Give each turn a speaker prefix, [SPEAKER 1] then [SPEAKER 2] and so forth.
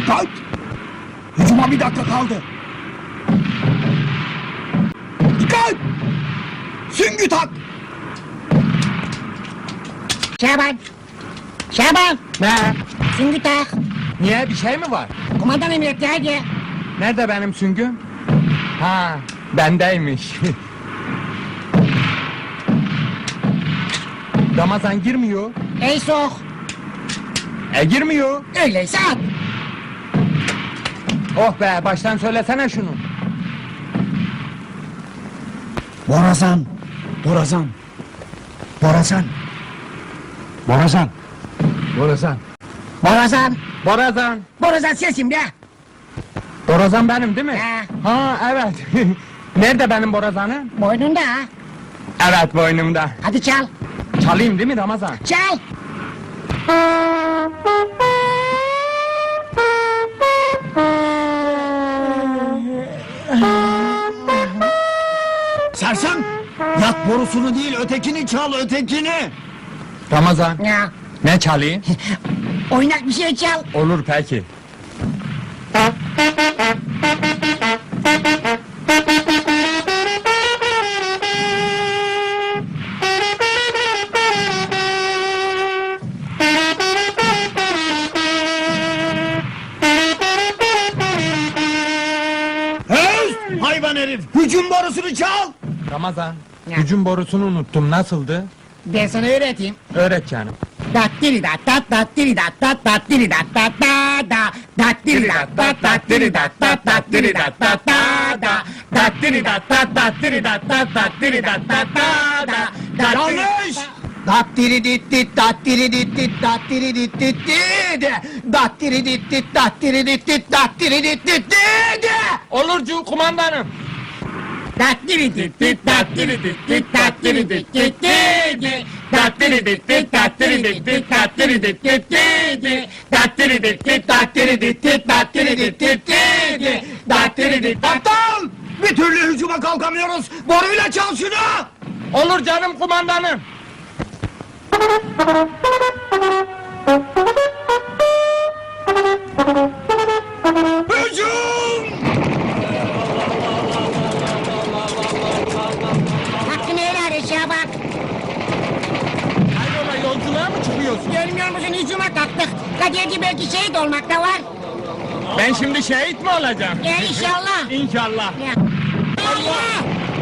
[SPEAKER 1] Dikkat! Hücuma bir dakika kaldı. Dikkat! Süngü tak!
[SPEAKER 2] Şaban! Şaban!
[SPEAKER 3] Ne?
[SPEAKER 2] Süngü tak!
[SPEAKER 3] Niye, bir şey mi var?
[SPEAKER 2] Kumandan emretti hadi!
[SPEAKER 3] Nerede benim süngüm? Ha, bendeymiş. Ramazan girmiyor.
[SPEAKER 2] Ey sok!
[SPEAKER 3] Girmiyor.
[SPEAKER 2] Öyleyse at!
[SPEAKER 3] Oh be, baştan söylesene şunu.
[SPEAKER 1] Borazan! Borazan! Borazan! Borazan!
[SPEAKER 3] Borazan.
[SPEAKER 2] Borazan!
[SPEAKER 3] Borazan.
[SPEAKER 2] Borazan sesim be!
[SPEAKER 3] Borazan benim değil mi?
[SPEAKER 2] He.
[SPEAKER 3] Ha, evet. Nerede benim borazanım?
[SPEAKER 2] Boynunda ha!
[SPEAKER 3] Evet, boynumda.
[SPEAKER 2] Hadi çal!
[SPEAKER 3] Çalayım değil mi Ramazan?
[SPEAKER 2] Çal!
[SPEAKER 1] Sersem! Yat borusunu değil, ötekini çal, ötekini!
[SPEAKER 3] Ramazan,
[SPEAKER 2] Ya!
[SPEAKER 3] ne çalayım?
[SPEAKER 2] Oynak bir şey çal!
[SPEAKER 3] Olur peki.
[SPEAKER 1] Höz! Hayvan herif! Hücum borusunu çal!
[SPEAKER 3] Ramazan,
[SPEAKER 2] Ya.
[SPEAKER 3] hücum borusunu unuttum, nasıldı?
[SPEAKER 2] Ben sana öğreteyim.
[SPEAKER 3] Öğret canım.
[SPEAKER 2] Dattiri dat dat dattiri dat dat dattiri dat dat da da dattiri dat dat dattiri dat dat dattiri dat dat da da dattiri dat dat dattiri dat dat dattiri dat dat da da
[SPEAKER 1] Yanlış! Dattiri dit dit, dattiri dit dit, dattiri dit dit dit, dattiri dit dit, dattiri dit dit, dattiri dit dit dit.
[SPEAKER 3] Olurcu kumandanım.
[SPEAKER 2] dattiri dit dit dattiri dit dit dattiri dit dit dit dattiri dit dit dattiri dit dit dattiri dit dit dit dattiri dit dit dattiri dit dit dattiri dit dit dit dattiri dit
[SPEAKER 1] Aptal! Bir türlü hücuma kalkamıyoruz. Boruyla çal şunu!
[SPEAKER 3] Olur canım kumandanım.
[SPEAKER 1] Hücum!
[SPEAKER 2] Hakkını helal et Şaban.
[SPEAKER 3] Hayrola, yolculuğa mı çıkıyorsun?
[SPEAKER 2] Görmüyor musun hücuma kalktık. Kadirci belki şehit olmak da var.
[SPEAKER 3] Ben şimdi şehit mi olacağım?
[SPEAKER 2] İnşallah.
[SPEAKER 3] İnşallah.
[SPEAKER 2] Ya. Allah!